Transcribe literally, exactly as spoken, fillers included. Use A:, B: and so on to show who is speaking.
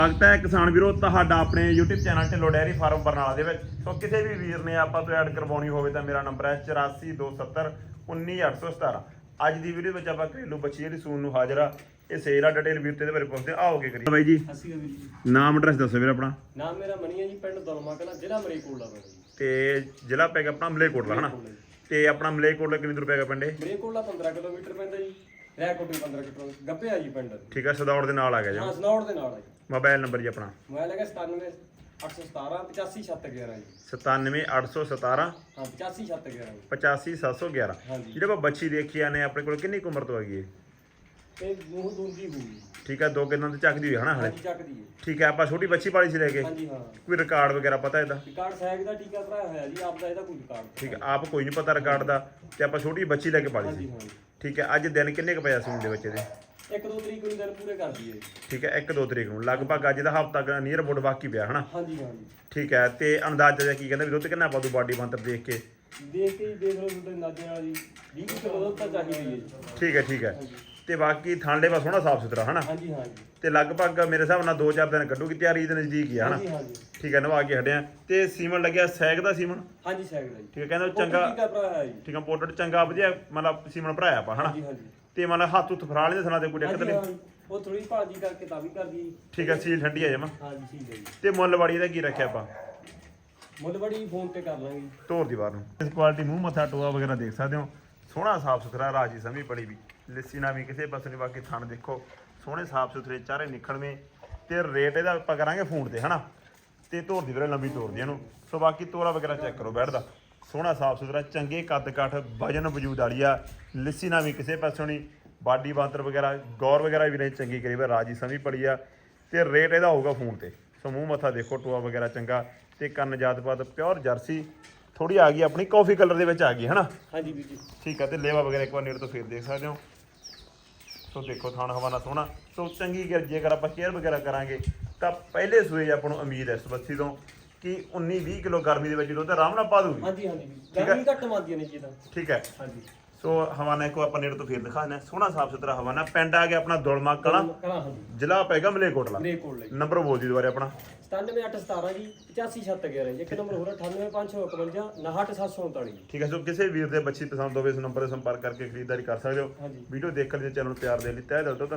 A: ਸਵਾਗਤ ਹੈ ਕਿਸਾਨ ਵੀਰੋ ਤੁਹਾਡਾ ਆਪਣੇ YouTube channel Dhillon dairy farm Barnala ਦੇ ਵਿੱਚ। ਸੋ ਕਿਸੇ ਵੀ ਵੀਰ ਨੇ ਆਪਾਂ ਤੋਂ ਐਡ ਕਰਵਾਉਣੀ ਹੋਵੇ ਤਾਂ ਮੇਰਾ ਨੰਬਰ ਹੈ ਚੁਰਾਸੀ ਦੋ ਸੱਤਰ ਉੱਨੀ ਅੱਠ ਸੌ ਸਤਾਰਾਂ। ਅੱਜ ਦੀ ਵੀਡੀਓ ਵਿੱਚ ਆਪਾਂ ਘਰੇਲੂ ਬੱਚੀ ਜਿਹੜੀ ਸੂਣ ਨੂੰ ਹਾਜ਼ਰ ਆ, ਇਹ ਸੇਲ ਆ ਡਿਟੇਲ ਵੀਰ ਤੇ ਇਹਦੇ ਬਾਰੇ ਪੁੱਛਦੇ ਆਓਗੇ ਕਰੀ ਬਾਈ ਜੀ।
B: ਅਸੀਂ ਵੀਰ ਜੀ
A: ਨਾਮ ਐਡਰੈਸ ਦੱਸੋ ਵੀਰ ਆਪਣਾ।
B: ਨਾਮ ਮੇਰਾ ਮਣੀ ਹੈ ਜੀ, ਪਿੰਡ ਦਲਮਾ ਕਲਾ, ਜ਼ਿਲ੍ਹਾ ਮਲੇਰਕੋਟਲਾ ਪਿੰਡ ਜੀ।
A: ਤੇ ਜ਼ਿਲ੍ਹਾ ਪੈ ਗਿਆ ਆਪਣਾ ਮਲੇਰਕੋਟਲਾ ਹਨਾ। ਤੇ ਆਪਣਾ ਮਲੇਰਕੋਟਲਾ ਕਿੰਨੀ ਦੂਰ ਪੈ ਗਿਆ ਪਿੰਡ?
B: ਮਲੇਰਕੋਟਲਾ ਪੰਦਰਾਂ ਕਿਲੋਮੀਟਰ ਪੈਂਦਾ ਜੀ, ਰੈਕੋਟ ਪੰਦਰਾਂ ਕਿਲੋਮੀਟਰ ਗੱਪਿਆ ਜੀ ਪਿੰਡ।
A: ਠੀਕ ਹੈ, ਸਦੌੜ ਦੇ ਨਾਲ ਆ ਗਿਆ ਜੀ।
B: ਹਾਂ ਸਨੌੜ ਦੇ ਨਾਲ ਆ ਜੀ।
A: ਮੋਬਾਈਲ ਨੰਬਰ ਜੀ ਆਪਣਾ
B: ਮੋਬਾਈਲ ਹੈਗਾ ਸਤਾਨਵੇਂ ਅੱਠ ਸੌ ਸਤਾਰਾਂ ਪਚਾਸੀ ਛੱਤ ਗਿਆਰਾਂ ਜੀ।
A: ਸਤਾਨਵੇਂ ਅੱਠ ਸੌ ਸਤਾਰਾਂ
B: ਹਾਂ ਪਚਾਸੀ ਛੱਤ ਗਿਆਰਾਂ ਜੀ।
A: ਪਚਾਸੀ ਸੱਤ ਸੌ ਗਿਆਰਾਂ।
B: ਹਾਂਜੀ।
A: ਜਿਹੜੇ ਆਪਾਂ ਬੱਚੀ ਦੇਖੀ ਆਨੇ ਆਪਣੇ ਕੋਲ ਕਿੰਨੀ ਕੁ ਉਮਰ ਤੋਂ ਹੈਗੀ ਹੈ?
B: ਤੇ ਮੂੰਹ ਦੂੰਦੀ ਹੋਊਗੀ।
A: ਠੀਕ ਹੈ, ਦੋ ਕਿੰਨਾਂ ਤੇ ਚੱਕਦੀ ਹੋਈ ਹਨਾ ਹਲੇ।
B: ਹਾਂਜੀ ਚੱਕਦੀ ਹੈ।
A: ਠੀਕ ਹੈ, ਆਪਾਂ ਛੋਟੀ ਬੱਚੀ ਪਾਲੀ ਸੀ ਲੈ ਕੇ।
B: ਹਾਂਜੀ ਹਾਂ।
A: ਕੋਈ ਰਿਕਾਰਡ ਵਗੈਰਾ ਪਤਾ ਇਹਦਾ?
B: ਰਿਕਾਰਡ ਸੈਗ ਦਾ ਟੀਕਾ ਭਰਾਇਆ ਹੋਇਆ ਜੀ, ਆਪਦਾ ਇਹਦਾ ਕੋਈ ਰਿਕਾਰਡ
A: ਠੀਕ ਹੈ, ਆਪ ਕੋਈ ਨਹੀਂ ਪਤਾ ਰਿਕਾਰਡ ਦਾ। ਤੇ ਆਪਾਂ ਛੋਟੀ ਬੱਚੀ ਲੈ ਕੇ ਪਾਲੀ
B: ਹਾਂਜੀ
A: ਸੀ।
B: ਹਾਂ।
A: ਠੀਕ ਹੈ, ਅੱਜ ਦਿਨ ਕਿੰਨੇ ਕੁ ਪਿਆ ਸੂਣ ਦੇ ਬੱਚੇ ਦੇ?
B: ਇੱਕ ਦੋ ਤਰੀਕ ਨੂੰ ਦਿਨ ਪੂਰੇ ਕਰ ਦਈਏ।
A: ਠੀਕ ਹੈ, ਇੱਕ ਦੋ ਤਰੀਕ ਨੂੰ ਲਗਭਗ ਅੱਜ ਦਾ ਹਫ਼ਤਾ ਕੁ ਨੀਅਰ ਅਬਾਊਟ ਬਾਕੀ ਪਿਆ ਹਨਾ।
B: ਹਾਂਜੀ ਹਾਂਜੀ।
A: ਠੀਕ ਹੈ, ਤੇ ਅੰਦਾਜ਼ਾ ਜਿਹਾ ਕੀ ਕਹਿੰਦਾ ਵੀ ਦੁੱਧ ਕਿੰਨਾ ਪਾ ਦੂ ਬਾਡੀ ਬੰਤਰ ਦੇਖ ਕੇ?
B: ਦੇਖ ਕੇ ਹੀ ਦੇਖ ਲਓ ਤੁਹਾਡੇ ਨਾਜੇ ਨਾਲ ਜੀ, ਵੀਹ ਕਿਲੋ ਦੁੱਧ ਤਾਂ ਚਾਹੀਦੀ ਹੈ ਜੀ।
A: ਠੀਕ ਹੈ ਠੀਕ ਹੈ। ਤੇ ਬਾਕੀ ਥਾਂਲੇ ਬਸ ਸੋਹਣਾ ਸਾਫ ਸੁਥਰਾ ਹਨਾ।
B: ਹਾਂਜੀ ਹਾਂਜੀ।
A: ਤੇ ਲਗਭਗ ਮੇਰੇ ਹਿਸਾਬ ਨਾਲ ਦੋ ਚਾਰ ਦਿਨ ਕੱਢੂਗੀ, ਤਿਆਰੀ ਦੇ ਨਜ਼ਦੀਕ ਹੀ ਆ ਹਨਾ।
B: ਹਾਂਜੀ ਹਾਂਜੀ।
A: ਠੀਕ ਹੈ, ਨਵਾ ਕੇ ਹਟਿਆ। ਤੇ ਸੀਮਨ ਲੱਗਿਆ ਸੈਗ ਦਾ ਸੀਮਨ।
B: ਹਾਂਜੀ ਸੈਗ ਦਾ ਜੀ।
A: ਠੀਕ ਹੈ, ਕਹਿੰਦਾ ਚੰਗਾ
B: ਟੀਕਾ ਭਰਾਇਆ ਜੀ।
A: ਠੀਕ ਹੈ, ਪੋਰਟਰੇਟ ਚੰਗਾ ਵਧੀਆ ਮਤਲਬ ਸੀਮਨ ਭਰਾਇਆ ਆਪਾਂ ਹਨਾ।
B: ਹਾਂਜੀ ਹਾਂਜੀ।
A: ਤੇ ਮਤਲਬ ਹੱਥ ਉੱਤ ਫਰਾ ਲੈਂਦੇ ਸਨਾ ਤੇ ਕੋਈ ਦਿੱਕਤ
B: ਹਾਂਜੀ
A: ਨਹੀਂ?
B: ਹਾਂ, ਉਹ ਥੋੜੀ ਭਾਜੀ ਕਰਕੇ ਤਾਂ ਵੀ ਕਰਦੀ ਜੀ।
A: ਠੀਕ ਹੈ, ਸੀਲ ਠੰਡੀ ਆ ਜਮਾ।
B: ਹਾਂਜੀ ਠੀਕ ਹੈ ਜੀ।
A: ਤੇ ਮੁੱਲ ਵਾੜੀ ਦਾ ਕੀ ਰੱਖਿਆ ਆਪਾਂ?
B: ਮੁੱਲ ਬੜੀ ਫੋਨ ਤੇ ਕਰ ਲਾਂਗੇ।
A: ਧੋਰ ਦੀ ਬਾਹਰ ਨੂੰ ਇਸ ਕੁਆਲਿਟੀ ਮੂੰਹ ਮੱਥਾ ਟੋਆ ਵਗੈਰਾ ਦੇਖ ਸਕਦੇ ਹੋ। ਸੋਹਣਾ ਸਾਫ ਸੁਥਰਾ ਰਾਜੀ ਸਮੀ ਬੜੀ ਵੀ ਲੱਸੀ ਨਾ ਵੀ ਕਿਸੇ ਪਾਸੇ ਨਹੀਂ। ਬਾਕੀ ਥਣ ਦੇਖੋ ਸੋਹਣੇ ਸਾਫ ਸੁਥਰੇ ਚਾਰੇ ਨਿਕਲਵੇਂ। ਤੇ ਰੇਟ ਇਹਦਾ ਆਪਾਂ ਕਰਾਂਗੇ ਫੋਨ ਤੇ ਹਨਾ। ਤੇ ਧੋਰ ਦੀ ਵੀਰੇ ਲੰਬੀ ਤੋਰ ਦੀ ਇਹਨੂੰ। ਸੋ ਬਾਕੀ ਤੋਰਾ ਵਗੈਰਾ ਚੈੱਕ ਕਰੋ ਬੈਠਦਾ ਸੋਹਣਾ ਸਾਫ ਸੁਥਰਾ ਚੰਗੇ ਕੱਦ ਕਾਠ ਵਜਨ ਵਜੂਦ ਵਾਲੀ ਆ। ਲੱਸੀ ਨਾ ਵੀ ਕਿਸੇ ਪਾਸੋਂ ਨਹੀਂ। ਬਾਡੀ ਬਾਂਦਰ ਵਗੈਰਾ ਗੌਰ ਵਗੈਰਾ ਵੀ ਨਹੀਂ ਚੰਗੀ ਕਰੀ ਵਾ ਰਾਜੀ ਸਮੀ ਪੜੀ ਆ। ਤੇ ਰੇਟ ਇਹਦਾ ਹੋਊਗਾ ਫੋਨ ਤੇ। ਸੋ ਮੂੰਹ ਮੱਥਾ ਦੇਖੋ ਟੋਆ ਵਗੈਰਾ ਚੰਗਾ। ਤੇ ਕੰਨ ਜਾਤਪਾਤ ਪਿਓਰ ਜਰਸੀ ਥੋੜੀ ਆ ਗਈ ਆਪਣੀ ਕਾਫੀ ਕਲਰ ਦੇ ਵਿੱਚ ਆ ਗਈ ਹਨਾ।
B: ਹਾਂਜੀ ਵੀਰ ਜੀ।
A: ਠੀਕ ਆ। ਤੇ ਲੇਵਾ ਵਗੈਰਾ ਇੱਕ ਵਾਰ ਨੇੜੇ ਤੋਂ ਫੇਰ ਦੇਖ ਸਕਦੇ ਹੋ। ਸੋ ਦੇਖੋ ਥਾਣ ਹਵਾਨਾ ਸੋਹਣਾ। ਸੋ ਚੰਗੀ ਗੱਲ ਜੇਕਰ ਆਪਾਂ ਕੇਅਰ ਵਗੈਰਾ ਕਰਾਂਗੇ ਤਾਂ ਪਹਿਲੇ ਸੂਏ ਆਪਾਂ ਨੂੰ ਉਮੀਦ ਹੈ ਇਸ ਬੱਚੀ ਤੋਂ ਕਿ ਉੱਨੀ ਵੀਹ ਕਿਲੋ ਗਰਮੀ ਦੇ ਵਿੱਚ ਦੁੱਧ ਆਰਾਮ ਨਾਲ ਪਾ ਦੂਗੀ।
B: ਹਾਂਜੀ ਹਾਂਜੀ। ਗਰਮੀ ਘੱਟ ਮੰਦੀਆਂ ਨੇ ਜੀ ਇਹਦਾ।
A: ਠੀਕ ਹੈ।
B: ਹਾਂਜੀ।
A: ਸੋ ਹਵਾਨਾ ਇੱਕ ਆਪਾਂ ਨੇੜੇ ਤੋਂ ਫੇਰ ਦਿਖਾ ਦਿੰਦੇ ਹਾਂ। ਸੋਹਣਾ ਸਾਫ ਸੁਥਰਾ ਹਵਾਨਾ। ਪਿੰਡ ਆ ਗਿਆ ਆਪਣਾ ਦੁਲਮਾ ਕਲਾਂ,
B: ਕਲਾਂ ਹਾਂਜੀ।
A: ਜ਼ਿਲ੍ਹਾ ਪੈਗਾ ਮਲੇਰਕੋਟਲਾ।
B: ਮਲੇਰਕੋਟਲਾ ਜੀ।
A: ਨੰਬਰ ਬੋਲ ਦੀ ਦੁਬਾਰੇ ਆਪਣਾ।
B: ਸਤਾਨਵੇਂ ਅੱਠ ਸਤਾਰਾਂ ਜੀ ਪਚਾਸੀ ਛੱਤ ਗਿਆਰਾਂ ਜੀ। ਇੱਕ ਨੰਬਰ ਹੋਰ ਅਠਾਨਵੇਂ ਪੰਜ ਸੌ ਇਕਵੰਜਾ ਉਨਾਹਠ ਸੱਤ ਸੌ ਉਨਤਾਲੀ ਜੀ।
A: ਠੀਕ ਹੈ। ਸੋ ਕਿਸੇ ਵੀਰ ਦੇ ਬੱਚੀ ਪਸੰਦ ਹੋਵੇ ਇਸ ਨੰਬਰ ਤੇ ਸੰਪਰਕ ਕਰਕੇ ਖਰੀਦਦਾਰੀ ਕਰ ਸਕਦੇ ਹੋ।
B: ਹਾਂਜੀ।
A: ਵੀਡੀਓ ਦੇਖਣ ਲਈ ਚੈਨਲ ਨੂੰ ਪਿਆਰ ਦੇਣ ਲਈ ਤਹਿ ਦਿਲ ਤੋਂ